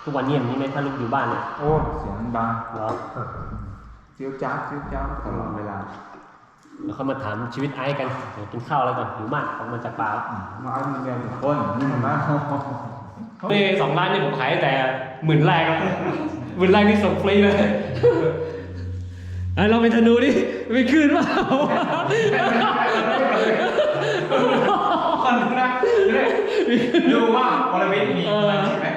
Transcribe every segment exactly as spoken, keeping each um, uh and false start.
ทุกวันนี้อย่างนี้ไหมถ้าลูกอยู่บ้านเนี่ยโอ้เสียงดังเหรอเจียวจ้าเจียวจ้าตลอดเวลาแล้วเขามาถามชีวิตไอ้กันกินข้าวอะไรก่อนหิวมากออกมาจากป่ามาเอาเงินเดือนคนนี่มันนะนี่สองร้านนี่ผมขายแต่หมื่นแรกแล้วหมื่นแรกนี่ส่งฟรีเลยไอ้เราเป็นธนูดิไม่คืนเปล่าคนนะดูว่าบริเวณมีอะไรใช่ไหม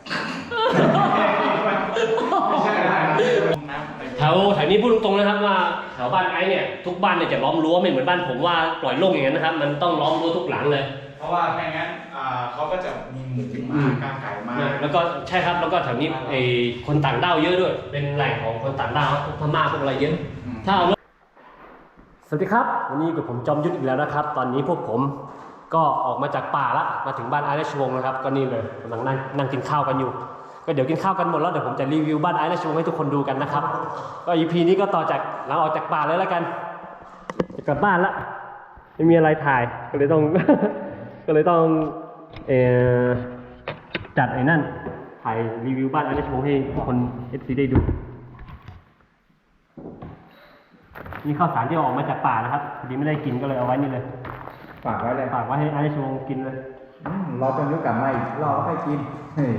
แถวแถวนี้พูดตรงๆนะครับว่าแถวบ้านไอ้เนี่ยทุกบ้านเนี่ยจะล้อมรั้วไม่เหมือนบ้านผมว่าปล่อยโล่งอย่างนั้นนะครับมันต้องล้อมรั้วทุกหลังเลยเพราะว่าไม่งั้นเขาก็จะมีหมูมากางไก่มาแล้วก็ใช่ครับแล้วก็แถวนี้ไอ้คนต่างด้าวเยอะด้วยเป็นแหล่งของคนต่างด้าวพวกพม่าพวกอะไรเยอะถ้าเอาสวัสดีครับวันนี้กับผมจอมยุทธอีกแล้วนะครับตอนนี้พวกผมก็ออกมาจากป่าละมาถึงบ้านไอ้ราชวงศ์นะครับก็นี่เลยกำลังนั่งนั่งกินข้าวกันอยู่ก็เดี๋ยวกินข้าวกันหมดแล้วเดี๋ยวผมจะรีวิวบ้านไอ้ราชวงศ์ให้ทุกคนดูกันนะครับก็ อี พี นี้ก็ต่อจากหลังออกจากป่าเลยแล้วกันจะกลับบ้านละไม่มีอะไรถ่ายก็เลยต้อง ก็เลยต้องเอ่อจัดไอ้นั่นถ่ายรีวิวบ้านไอ้ราชวงศ์ให้ทุกคน เอฟ ซี ได้ดูนี่ข้าวสารที่ออกมาจากป่านะครับพอดีไม่ได้กินก็เลยเอาไว้นี่เลยฝากไว้เลยฝากไว้ให้ไอ้ราชวงศ์กินเลยเราจะยุกกลับมาอีกเราให้กินเฮ้ย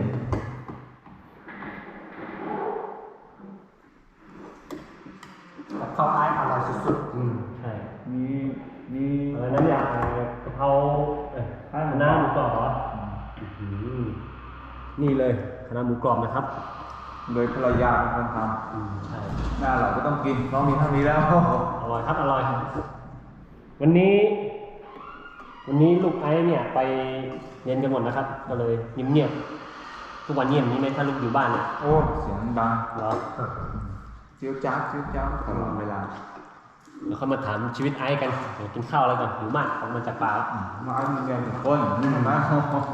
ข้าวไอ้อร่อยสุดๆอืมใช่มีมีอะไรนั่นเนี่ยกะเพราคณะน้าหมูกรอบเหรอนี่เลยคณะน้าหมูกรอบนะครับโดยภรรยาเป็นคนทำใช่หน้าเราก็ต้องกินน้องมีเท่านี้แล้วอร่อยครับอร่อยวันนี้วันนี้ลูกไอ้เนี่ยไปเรียนกันหมดนะครับก็เลยเงียบๆทุกวันนี้อย่างนี้ไหมถ้าลูกอยู่บ้านเนี่ยโอ้เสียงดังเหรอเจียวจ้าเจียวจ้าตลอดเวลาแล้วเขามาถามชีวิตไอ้กันกินข้าวอะไรก่อนหิวมากออกมาจากป่ามาเอาเงินเดือนคนนี่มันนะ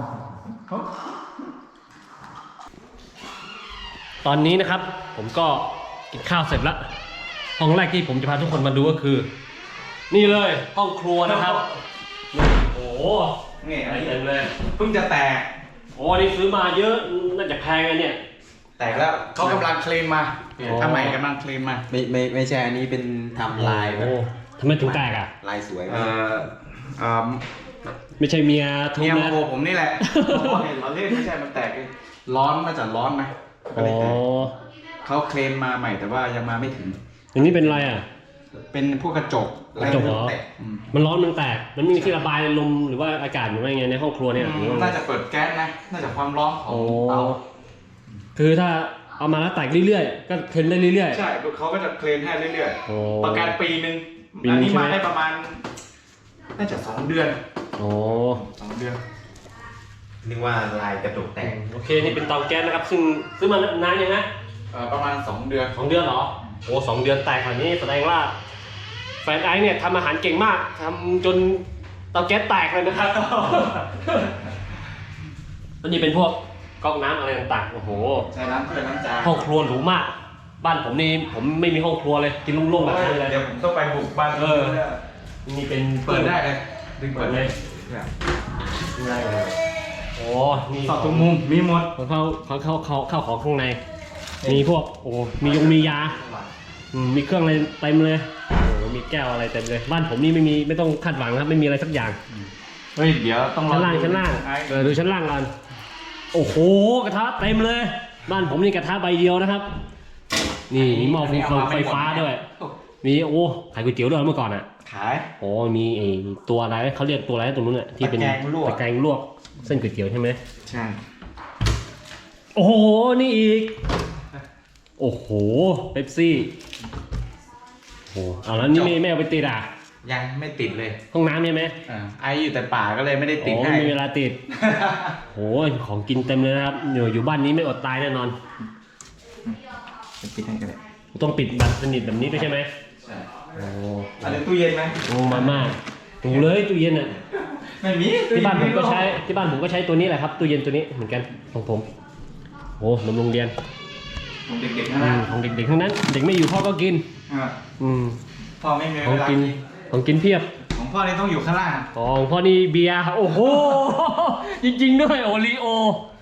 ตอนนี้นะครับผมก็กินข้าวเสร็จแล้วห้องแรกที่ผมจะพาทุกคนมาดูก็คือนี่เลยห้องครัวนะครับโอ้โหนี่อะไรเต็มเลยเพิ่งจะแตกโอ้นี่ซื้อมาเยอะน่าจะแพงเลยเนี่ยแตกแล้วเขากำลังเคลมมาทำไมกำลังเคลมมาไม่ไม่ไม่ใช่อันนี้เป็นทำลายแบบทำไมถึงแตกอ่ะลายสวยเออเออไม่ใช่เมียทุบนะเมียโมผมนี่แหละเห็นเราเล่นไม่ใช่มันแตกร้อนน่าจะร้อนไหมอ๋อเขาเคลมมาใหม่แต่ว่ายังมาไม่ถึงอย่างนี้เป็นอะไรอ่ะเป็นพวกกระจกกระจกเหรอมันร้อนมันแตกมันไม่มีที่ระบายลมหรือว่าอากาศหรือว่าไงในห้องครัวเนี่ยน่าจะเปิดแก๊สนะน่าจะความร้อนของเตาคือถ้าเอามาแล้วแตกเรื่อยๆก็เคลมได้เรื่อยๆใช่เขาก็จะเคลมให้เรื่อยๆประกันปีนึงอันนี้มาได้ประมาณน่าจะสองเดือนโอ้สองเดือนนึกว่าลายกระจกแตกโอเคนี่เป็นเตาแก๊สนะครับซึ่งซื้อมานานยังไงประมาณสองเดือนสองเดือนเหรอโอ้สองเดือนแตกขนาดนี้แสดงว่าแฟนไอ้เนี่ยทำอาหารเก่งมากทำจนเตาแก๊สแตกเลยนะครับอันนี้เป็นพวกก๊อกน้ำอะไรต่างๆโอ้โหใช้น้ำเพื่อน้ำจานห้องครัวหรูมากบ้านผมนี่ผมไม่มีห้องครัวเลยกินโล่งๆแบบนี้เลยเดี๋ยวผมต้องไปบุกบ้านเออนี่เป็นเปิดได้เลยดึงเปิดเลยได้เลยโอ้มีสอดทุกมุมมีหมดของเขาเขาเขาเขาเข้าของข้างในมีพวกโอ้มียงมียามีเครื่องอะไรเต็มเลยโอ้มีแก้วอะไรเต็มเลยบ้านผมนี่ไม่มีไม่ต้องคาดหวังครับไม่มีอะไรสักอย่างเฮ้ยเดี๋ยวต้องชั้นล่างชั้นล่างเออดูชั้นล่างกันโอ้โหกระทะเต็มเลยบ้านผมนี่กระทะใบเดียวนะครับนี่มีหม้อไฟฟ้าด้วยมีโอ้ขายก๋วยเตี๋ยวด้วยเมื่อก่อนอ่ะขายโอ้มีไอตัวอะไรเขาเรียกตัวอะไรตรงนู้นอ่ะที่เป็นตะแกรงลวกเส้นก๋วยเตี๋ยวใช่ไหมใช่โอ้โหนี่อีกโอ้โหเป๊ปซี่โอ้เอาแล้วนี่ไม่ไม่เอาไปติดอ่ะยังไม่ติดเลยห้องน้ำใช่ไหมอ่าไออยู่แต่ป่าก็เลยไม่ได้ติดให้ไม่มีเวลาติดโอ้ยของกินเต็มเลยนะครับอยู่อยู่บ้านนี้ไม่อดตายแน่นอนปิดให้กันเลยต้องปิดแบบสนิทแบบนี้ด้วยใช่ไหมใช่โอ้อะไรตู้เย็นไหมโอ้มาม่าดูเลยตู้เย็นอ่ะไม่มีที่บ้านผมก็ใช้ที่บ้านผมก็ใช้ตัวนี้แหละครับตู้เย็นตัวนี้เหมือนกันของผมโอ้นมโรงเรียนของเด็กๆทั้งนั้นของเด็กๆทั้งนั้นเด็กไม่อยู่พ่อก็กินอืมพ่อไม่มีของกินของกินเพียบของพ่อนี่ต้องอยู่ข้างล่างของพ่อนี่เบียร์โอ้โหจริงๆด้วยโอรีโอ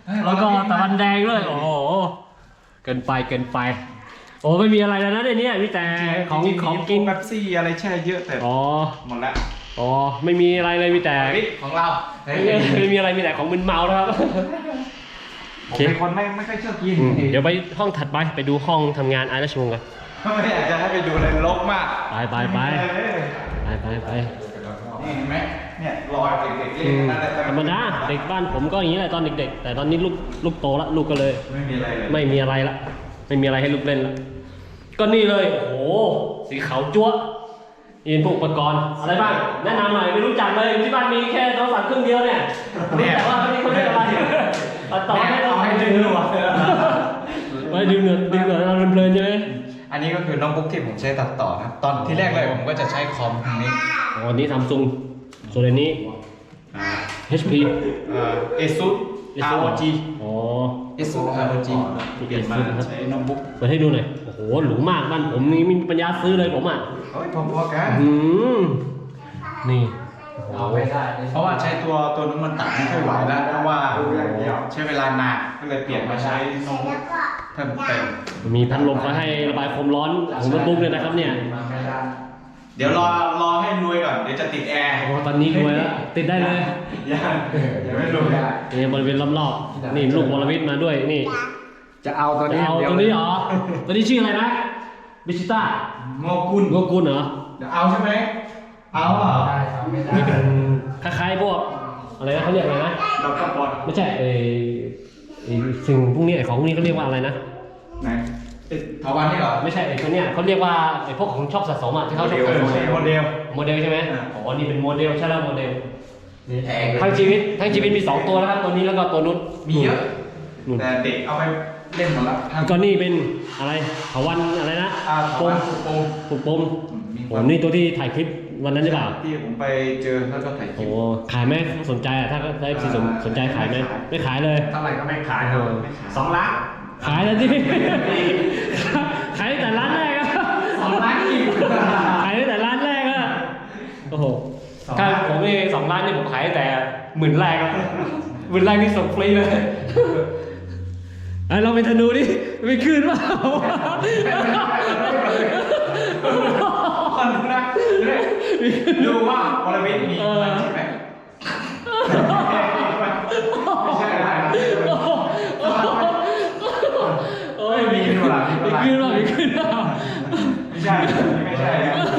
แล้วก็ตะวันแดงด้วยโอ้โหเกินไปเกินไปโอ้ไม่มีอะไรแล้วนะในนี้มีแต่ของของกินเป๊ปซี่อะไรแช่เยอะแต่อ๋อหมดละอ๋อไม่มีอะไรเลยมีแต่วิของเราไม่มีอะไรมีแต่ของมึนเมานะครับผมเป็นคนไม่ไม่ค่อยชอบกินเดี๋ยวไปห้องถัดไปไปดูห้องทำงานไอ้ราชวงศ์กันไม่อยากจะให้ไปดูเลยรกมากไปไปไปไปไปไปนี่เห็นไหมเนี่ยรอยเด็กๆเล่นนั่นแหละธรรมดาเด็กบ้านผมก็อย่างนี้แหละตอนเด็กๆแต่ตอนนี้ลูกลูกโตแล้วลูกก็เลยไม่มีอะไรเลยไม่มีอะไรละไม่มีอะไรให้ลูกเล่นละก็นี่เลยโอ้โหสีขาวจั๊วอินพวกอุปกรณ์อะไรบ้างแนะนำหน่อยไม่รู้จักเลยที่บ้านมีแค่โทรศัพท์เครื่องเดียวเนี่ยแต่ว่าเขาเขาเรียกอะไรต่อให้เราให้ดึงหนวดไว้ดึงหนวดดึงหนวดเราเพลินๆใช่ไหมอันนี้ก็คือโน้ตบุ๊กที่ผมใช้ตัดต่อนะตอนที่แรกเลยผมก็จะใช้คอมทางนี้อ๋อนี่ซัมซุงส่วนอันนี้ เอช พีเอ่อ ASUS อาร์ โอ จีอ๋อ ASUS อาร์ โอ จี เปลี่ยนมาใช้โน้ตบุ๊กเปิดให้ดูหน่อยโอ้โหหรูมากบ้านผมนี่ไมมีปัญญาซื้อเลยผมอ่ะเฮ้ยพอๆกันอืมนี่เอาไม่ได้เพราะว่าใช้ตัวตัวนู้นมันตัดไม่ค่อยไหวแล้วเพราะว่าใช้เวลานานก็เลยเปลี่ยนมาใช้โน้ตบุ๊กเพิ่มเติมมีพัดลมก็ให้ระบายความร้อนของโน้ตบุ๊กเลยนะครับเนี่ยเดี๋ยวรอรอให้รวยก่อนเดี๋ยวจะติดแอร์โอ้ตอนนี้รวยแล้วติดได้เลยยังยังไม่รวยนี่บริเวณรอบๆนี่ลูกวรวิทย์มาด้วยนี่จะเอาตัวจะนี้เอาเดียวตัวนี้เหรอตัวนี้ชื่ออะไรนะบิชิต้าโงกุลโกกุลเหรอเดี๋ยวเอาใช่ไหมเอาเหรอนี่เป็นคล้ายๆพวกอะไรนะเขาเรียกอะไรนะเราก็บอลไม่ใช่เออไอ้สิ่งพวกนี้ไอ้ของพวกนี้เขาเรียกว่าอะไรนะไหนถาวันนี่เหรอไม่ใช่ไอ้ตัวเนี้ยเขาเรียกว่าไอ้พวกของชอบสะสมอ่ะที่เขาชอบสะสมโมเดลโมเดลใช่ไหมอ่าอ๋อนี่เป็นโมเดลใช่แล้วโมเดลแพงเลยทั้งชีวิตทั้งชีวิตมีสองตัวแล้วครับตัวนี้แล้วก็ตัวนู้นมีเยอะนู่นแต่เด็กเอาไปเล่นหมดแล้วแล้วก็นี่เป็นอะไรเถาวันอะไรนะอ่าปปมมปมปมปมมีโอ้นี่ตัวที่ถ่ายคลิปวันนั้นใช่เปล่าที่ผมไปเจอแล้วก็ถ่ายคลิโอ้ปขายไหมสนใจอ่ะถ้าได้สนสนใจขายไหมไม่ขายเลยเท่าไหร่ก็ไม่ขายครับสองล้านขายแล้วที่ ขายตั้งแต่ร้านแรกอะสองล้านอีกขายตั้งแต่ร้านแรกอะโอ้โหถ้าผมนี่สองล้านนี่ผมขายตั้งแต่หมื่นแรกอะหมื่นแรกนี่ส่งฟรีเลยไอเราเป็นธนูดิไม่คืนเปล่าคนดูนะดูว่าบริเวณมีมันใช่ไหมไม่ใช่อะไรนะโอ้ยมีคืนเปล่ามีคืนเปล่ามีคืนเปล่าไม่ใช่ไม่ใช่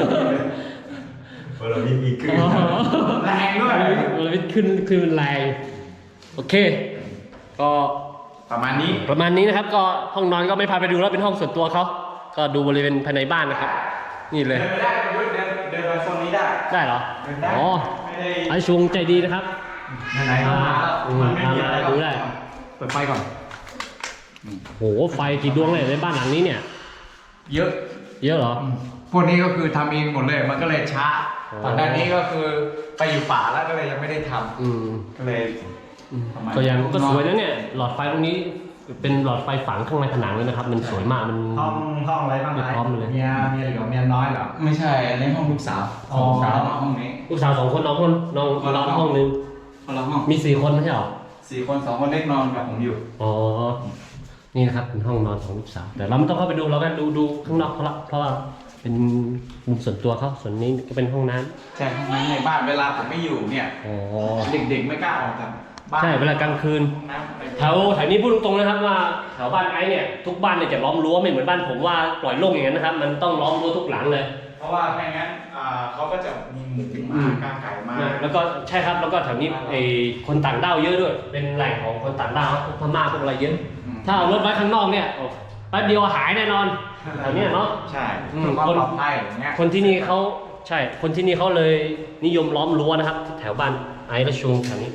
เรามีมีขึ้นแรงด้วยมันเลยขึ้นขึ้นมันแรงโอเค ก็ประมาณนี้ประมาณนี้นะครับ ก็ห้องนอนก็ไม่พาไปดูแล้วเป็นห้องส่วนตัวเขาก็ดูบริเวณภายในบ้านนะครับ นี่เลยเดินไปได้เดินเดินเดินไปโซนนี้ได้ได้เหรอเดินได้อ๋อไม่ได้ไอชวงใจดีนะครับไหนๆก็มาแล้วอืมมันไม่มีอะไรดูได้เปิดไฟก่อนโหไฟกี่ดวงเลยในบ้านหลังนี้เนี่ยเยอะเยอะเหรอพวกนี้ก็คือทำเองหมดเลย มันก็เลยช้าอ๋อตอนหน้านี้ก็คือไปอยู่ป่าแล้วก็เลยยังไม่ได้ทอืมำก็เลยอืมประมาณก็ยังก็สวยนะเนี่ยหลอดไฟตรงนี้เป็นหลอดไฟฝังข้างในผนังเลยนะครับ มันสวยมากมันห้องห้องอะไรบ้างไม่พร้อมเลยเมียเมียเหลือเมียน้อยเหรอไม่ใช่อันนี้ห้องลูกสาวอ๋อลูกสาวมาห้องนี้ลูกสาวสองคนน้องคนน้องคนละนอนห้ห้ออง งนึงคนละห้องมีสี่คนไม่ใช่เหรอสี่คนสองคนเล็กนอนกับผมอยู่อ๋อ นี่นะครับเป็นห้องนอนของลูกสาว แต่เราไม่ต้องเข้าไปดูเราก็ดูดูข้างนอกเขาละเพราะว่าเป็นมุมส่วนตัวเขาส่วนนี้ก็เป็นห้องน้ำใช่ห้องนั้นในบ้านเวลาผมไม่อยู่เนี่ยอ๋อเด็กๆไม่กล้าออกจากบ้านใช่เวลากลางคืนห้องน้ำอะไรแถวแถวนี้พูดตรงๆนะครับว่าแถวบ้านไอ้เนี่ยทุกบ้านเนี่ยจะล้อมรั้วไม่เหมือนบ้านผมว่าปล่อยโล่งอย่างนั้นนะครับ มันต้องล้อมรั้วทุกหลังเลยเพราะว่าไม่งั้นอ่าเขาก็จะมีหมูหมากาไก่มาแล้วก็ใช่ครับแล้วก็แถวนี้ไอ้คนต่างด้าวเยอะด้วย เป็นแหล่งของคนต่างด้าวพวกพม่าพวกอะไรเยอะ ถ้าเอารถไว้ข้างนอกเนี่ยโอ้แป๊บเดียวหายแน่นอนแถวเนี้ยเนาะใช่อืมเพื่อความปลอดภัยอย่างเงี้ยคนที่นี่เขาใช่ คนที่นี่เขาเลยนิยมล้อมรั้วนะครับ แถวบ้านไอ้ระชุงแถวนี้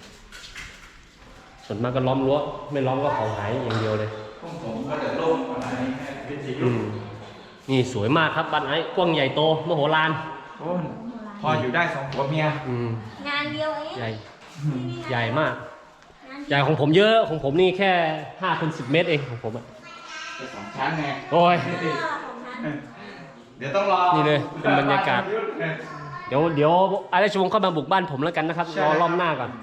ส่วนมากก็ล้อมรั้วไม่ล้อมก็ของหายอย่างเดียวเลยพวกผมก็จะโล่งอะไรแค่วิทยุอืมนี่สวยมากครับบ้านไอ้กว้างใหญ่โตมโหฬารโอ้ยพออยู่ได้สองผัวเมียอืมงานเดียวเองใหญ่ใหญ่มากใหญ่ของผมเยอะของผมนี่แค่ห้าคูณสิบเมตรเองของผมอะจะสองชั้นไงโอ้ยของฉันเดี๋ยวต้องรอนี่เลยเป็นบรรยากาศ เดี๋ยวเดี๋ยวไอ้ราชวงศ์เข้ามาบุกบ้านผมแล้วกันนะครับรอรอบหน้าก่อนอ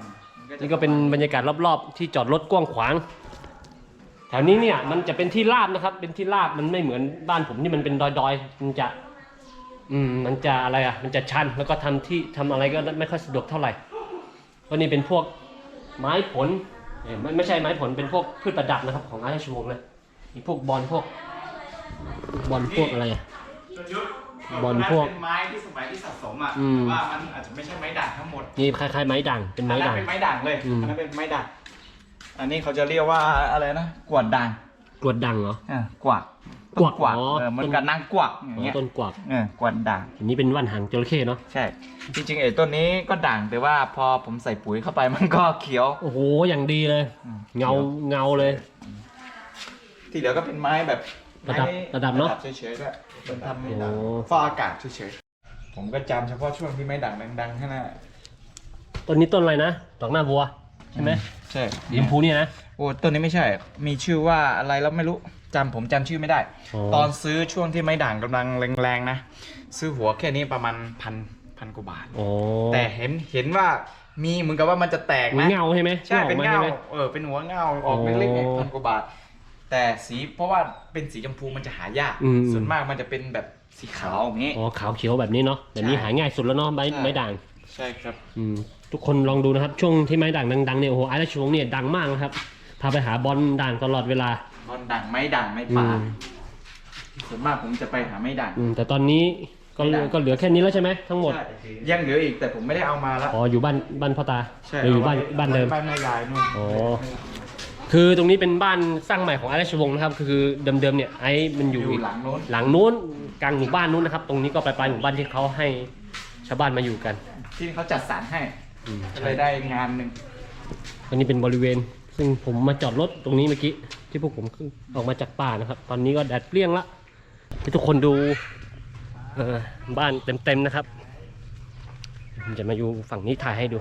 นี่ก็เป็นบรรยากาศรอบๆที่จอดรถกว้างขวางแถวนี้เนี่ยมันจะเป็นที่ราบนะครับเป็นที่ราบมันไม่เหมือนบ้านผมที่มันเป็นดอยๆมันจะอืมมันจะอะไรอ่ะมันจะชันแล้วก็ทำที่ทำอะไรก็ไม่ค่อยสะดวกเท่าไหร่ก็นี่เป็นพวกไม้ผลเอ้ยไม่ไม่ใช่ไม้ผลเป็นพวกพืชประดับนะครับของอาราชวงศ์นะมีพวกบอลพวกบอลพวกอะไรอ่ะจนยุทธบอลพวกเป็นไม้ที่สมัยที่สะสมอ่ะอืมว่ามันอาจจะไม่ใช่ไม้ด่างทั้งหมดนี่คล้ายๆไม้ด่างเป็นไม้อันนั้ด่าน งเป็นไม้ด่างเลยอืมอันนั้นเป็นไม้ด่างอันนี้เขาจะเรียกว่าอะไรนะกวาดด่างกรวดด่างเหรออ่ากวาดกวาดกวาดอ๋อเออเหมือนกับนางกวักอย่างอ๋อเงี้ยต้นกวักเออกวาดด่างอันนี้เป็นว่านหางจระเข้เนาะใช่ จริงๆไอ้ต้นนี้ก็ด่างแต่ว่าพอผมใส่ปุ๋ยเข้าไปมันก็เขียวโอ้โหอย่างดีเลยอืมเงาเงาเลยที่เหลือก็เป็นไม้แบบระดับไม้ระดับเนอะเฉยๆด้วยเป็นทำไม่ด่างโอ้ฟอกอากาศเฉยๆผมก็จำเฉพาะช่วงที่ไม้ด่างดังๆแค่นั้นต้นนี้ต้นอะไรนะดอกหน้าบัวใช่ไหมใช่สีชมพูเนี่ยนะโอ้ต้นนี้ไม่ใช่ มีชื่อว่าอะไรแล้วไม่รู้จำผมจำชื่อไม่ได้อ๋อตอนซื้อช่วงที่ไม้ด่างกำลังแรงๆนะ ซื้อหัวแค่นี้ประมาณพันพันกว่าบาทโอ้แต่เห็นเห็นว่ามีเหมือนกับว่ามันจะแตกมีนะเงาใช่ไหมใช่เป็นออกมาเงาใช่ไหมเออเป็นหัวเงาออกเล็กๆเนี่ยโอ้พันกว่าบาท แต่สีเพราะว่าเป็นสีชมพูมันจะหายากอืมส่วนมากมันจะเป็นแบบสีขาวอย่างนี้อ๋อขาวเขียวแบบนี้เนาะแบบนี้ใช่หาง่ายสุดแล้วเนาะไม้ใช่ไม้ด่างใช่ครับอืมทุกคนลองดูนะครับ ช่วงที่ไม้ด่างดังๆเนี่ยโอ้โหไอ้ราชวงศ์เนี่ยดังมากนะครับพาไปหาบอลด่างตลอดเวลาบอลด่างไม้ด่างไม้อืป่าม ส่วนมากผมจะไปหาไม้ด่างอืมแต่ตอนนี้ก็ไม่ได้ก็เหลือแค่นี้แล้วใช่ไหมทั้งหมดใช่ยังเหลืออีกแต่ผมไม่ได้เอามาแล้วอ๋ออยู่บ้านบ้านพ่อตาใช่หรืออยู่บ้านอไว้บ้านเดิมบ้านแม่ยายนู่นอ๋อ คือตรงนี้เป็นบ้านสร้างใหม่ของไอ้ราชวงศ์นะครับคือเดิมๆเนี่ยไอ้มันอยู่อยู่อีกหลังโน้นหลังนู้นกลางหมู่บ้านนู้นนะครับ ตรงนี้ก็ปลายๆหมู่บ้านที่เขาให้ชาวบ้านมาอยู่กันที่เขาจัดสรรให้อืมก็เลยได้งานหนึ่งอันนี้เป็นบริเวณ ซึ่งผมมาจอดรถตรงนี้เมื่อกี้ที่พวกผมขึ้นออกมาจากป่านะครับ ตอนนี้ก็แดดเปรี้ยงละให้ทุกคนดูเออบ้านเต็มๆนะครับผมจะมาอยู่ฝั่งนี้ถ่ายให้ดู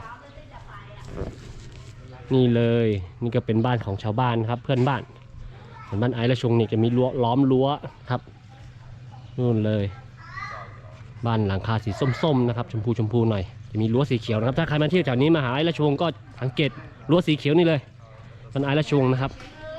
นี่เลยนี่ก็เป็นบ้านของชาวบ้านครับ เพื่อนบ้านส่วนบ้านไอ้ราชวงศ์นี่จะมีรั้วล้อมรั้วครับนู่นเลย บ้านหลังคาสีส้มๆนะครับชมพูชมพูหน่อยจะมีรั้วสีเขียวนะครับถ้าใครมาเที่ยวแถวนี้มาหาไอ้ราชวงศ์ก็สังเกตรั้วสีเขียวนี่เลยบ้านไอ้ราชวงศ์นะครับ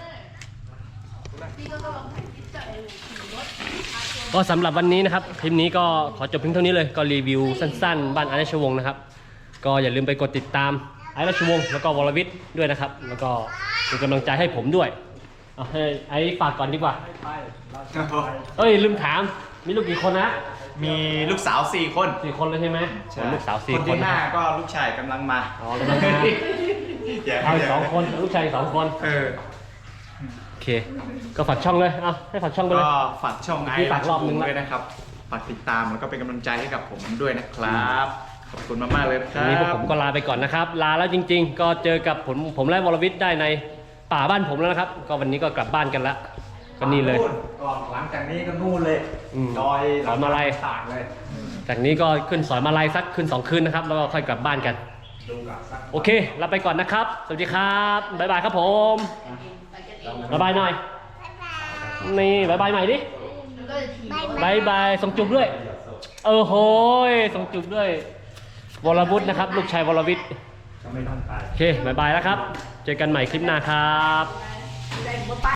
ก็สำหรับวันนี้นะครับคลิปนี้ก็ขอจบเพียงเท่านี้เลยก็รีวิวสั้นๆ บ้านไอ้ราชวงศ์นะครับก็อย่าลืมไปกดติดตามไอ้ราชวงศ์แล้วก็วรวิทย์ด้วยนะครับแล้วก็เป็นกำลังใจให้ผมด้วยเอาให้ไอ้ฝากก่อนดีกว่าเอ้ยลืมถามมีลูกกี่คนนะมีลูกสาวสี่คนสี่คนเลยใช่ไหมลูกสาวสี่คนคนที่นะห้าก็ลูกชายกำลังมาอ๋อกำลังมาอย่าเอาอีกสองคนลูกชายอีกสองคนเออโอเค ก็ฝากช่องเลยเอาให้ฝากช่องไปเลยก็ฝากช่องไอ้พี่ฝากรอบนึงละด้วยนะครับฝากติดตามแล้วก็เป็นกำลังใจให้กับผมด้วยนะครับขอบคุณมากๆเลยนะควัรันบนี้พวกผมก็ลาไปก่อนนะครับ ลาแล้วจริง ๆ ก็เจอกับผมผมและวรวิทย์ได้ในป่าบ้านผมแล้วนะครับ ก็วันนี้ก็กลับบ้านกันละก็นี่เลยก่อนหลังจากนี้ก็นู่นเลยอืมดอยสอนมาลัยตากเลยจากนี้ก็ขึ้นสอยมาลัยสักคืนสองคืนนะครับ แล้วก็ค่อยกลับบ้านกัน โอเคลาไปก่อนนะครับ สวัสดีครับบ๊ายบายครับผมบ๊ายบายหน่อยนี่บ๊ายบายใหม่ดิบ๊ายบายส่งจุบด้วยเออโหยส่งจุบด้วยวรวุฒินะครับ ลูกชายวรวิทย์ก็ไม่ต้องตายโอเคบ๊ายบายแล้วครับ เจอกันใหม่คลิปหน้าครับ